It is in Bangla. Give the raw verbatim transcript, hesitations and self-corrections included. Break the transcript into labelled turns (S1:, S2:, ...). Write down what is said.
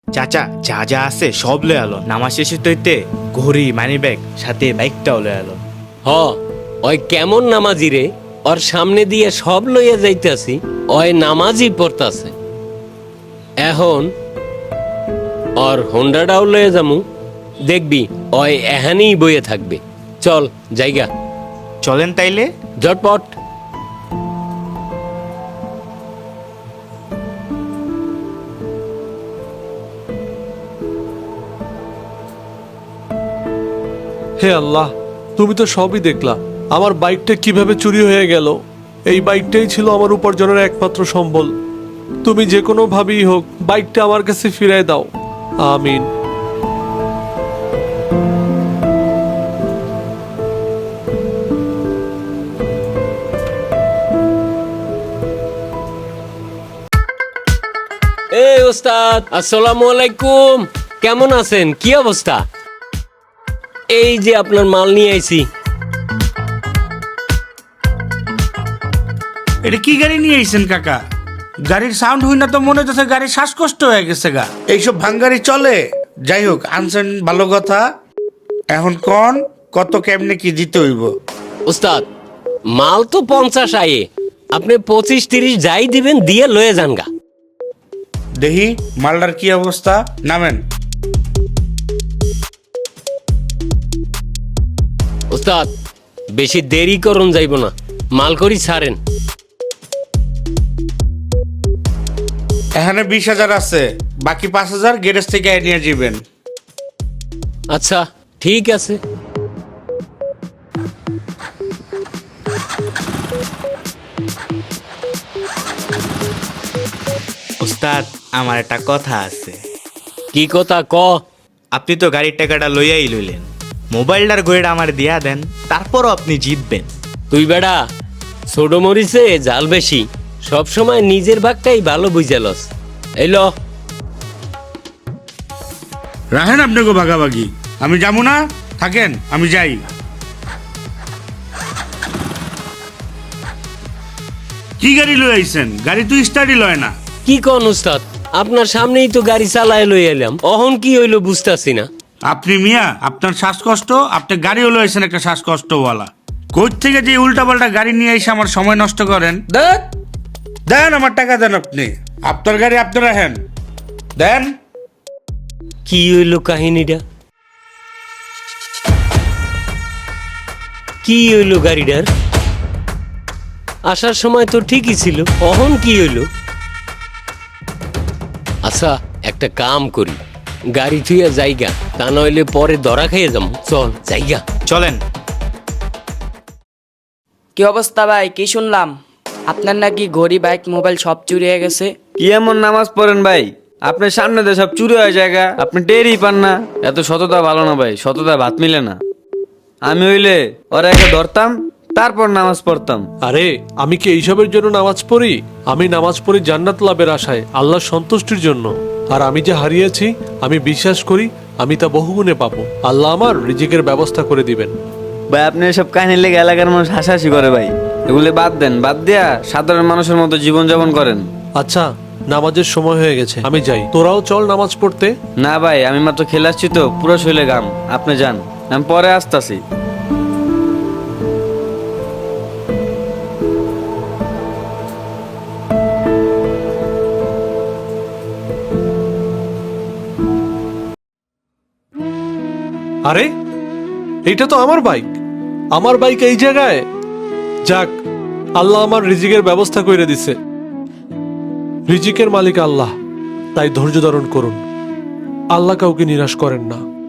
S1: চাচা যা যা আছে সব লয়ে আলো, নামাজ শেষে তৈতে ঘড়ি মানি ব্যাগ সাথে বাইকটাও লয়ে আলো।
S2: হ ওই কেমন নামাজি রে, ওর সামনে দিয়ে সব লইয়া যাইতেছি, ওই নামাজই পড়তাছে। এখন ওর হোন্ডাটাও লইয়া যামু, দেখবি ওই এহানেই বইয়ে থাকবে। চল জায়গা,
S1: চলেন তাইলে।
S2: ঝটপট।
S3: হে আল্লাহ, তুমি তো সবই দেখলা। আমার বাইকটা কিভাবে চুরি হয়ে গেল। এই বাইকটাই ছিল আমার উপার্জনের একমাত্র সম্বল। তুমি যে কোনো ভাবেই হোক বাইকটা আমার কাছে ফিরায় দাও, আমিন।
S2: এই ওস্তাদ, আসসালামু আলাইকুম। কেমন আছেন? কি অবস্থা? এই যে আপনার মাল নিয়ে আইছি।
S4: এটা কি গাড়ি নিয়ে আইছেন কাকা? গাড়ির সাউন্ড হই না তো মনে হচ্ছে গাড়ির শ্বাসকষ্ট হয়ে গেছে গা। এইসব ভাঙ্গারি চলে? যাই হোক, আনছেন ভালো কথা। এখন কোন কত কেমনে কি দিতে হইব?
S2: ওস্তাদ, মাল তো পঞ্চাশ আয়ে, আপনি পঁচিশ তিরিশ যাই দিবেন দিয়ে লয়ে যান গা।
S4: দেখি মালটার কি অবস্থা, নামেন।
S2: ওস্তাদ, বেশি দেরি করুন যাইব না, মাল করি ছাড়েন।
S4: এখানে বিশ হাজার আছে, বাকি পাঁচ হাজার গ্যারেজ থেকে নিয়ে যাবেন।
S2: আচ্ছা ঠিক আছে।
S1: ওস্তাদ, আমার একটা কথা আছে।
S2: কি কথা ক?
S1: আপনি তো গাড়ির টাকাটা লইয়াই লইলেন, মোবাইলটার গড়িটা আমার দিয়া দেন, তারপরও আপনি জিতবেন।
S2: তুই বেড়া ছোট মরিছে জাল বেশি, সব সময় নিজের ভাগটাই ভালো বুঝালস। এই ল।
S4: রাখেন আপনাকে ভাগাভাগি, আমি যাবো না, থাকেন, আমি যাই। কি গাড়ি লই আইছেন? গাড়ি তো স্টার্টই লয় না।
S2: কি কন ওস্তাদ, আপনার সামনেই তো গাড়ি চালায় লই এলাম, অহন কি হইলো বুঝতাছি না।
S4: আপনি মিয়া, আপনার শ্বাসকষ্ট, আপনি গাড়ি হলো আইছেন একটা শ্বাসকষ্টওয়ালা। কোথ থেকে যে উল্টাপাল্টা গাড়ি নিয়ে এসে আমার সময় নষ্ট করেন। দেন দেন আমার টাকা দেন, আপনি আপনার গাড়ি আপনি রাখেন, দেন।
S2: কি হইলো কাহিনীটা? কি হইলো গাড়িটার? আসার সময় তো ঠিকই ছিল, অহন কি হইলো? আচ্ছা একটা কাম করি, গাড়ি থুইয়া জায়গা, তা নইলে পরে ধরা খাইয়ে যাবো। চল জায়গা।
S1: চলেন।
S5: কি অবস্থা ভাই? কি শুনলাম আপনার নাকি ঘড়ি বাইক মোবাইল সব চুরি হয়ে গেছে?
S6: কি এমন নামাজ পড়েন ভাই? আপনার সামনে তো সব চুরি হয়ে জায়গা, আপনি টেরই পান না। এত সততা ভালো না ভাই, সততা ভাত মিলে না। আমি হইলে ওরা একে ধরতাম, তারপর নামাজ পড়তাম।
S3: আরে আমি কি এইসবের জন্য নামাজ পড়ি? আমি নামাজ পড়ি জান্নাত লাভের আশায়, আল্লাহর সন্তুষ্টির জন্য। আর আমি যে হারিয়েছি, আমি বিশ্বাস করি আমি তা বহুগুণে পাবো। আল্লাহ আমার রিজিকের ব্যবস্থা করে দিবেন।
S6: ভাই আপনি এসব কাহিনী লেগে এলাকার মানুষ হাসাহাসি করে ভাই, এগুলো বাদ দেন। বাদ দিয়া সাধারণ মানুষের মতো জীবনযাপন করেন।
S3: আচ্ছা, নামাজের সময় হয়ে গেছে, আমি যাই। তোরাও চল নামাজ পড়তে।
S6: না ভাই, আমি মাত্র খেলে আসছি তো, পুরো শৈলে গাম। আপনি যান, আমি পরে আসতাছি।
S3: আরে এইটা তো আমার বাইক, আমার বাইক এই জায়গায়। যাক, আল্লাহ আমার রিজিকের ব্যবস্থা করে দিছে। রিজিকের মালিক আল্লাহ, তাই ধৈর্য ধারণ করুন। আল্লাহ কাউকে নিরাশ করেন না।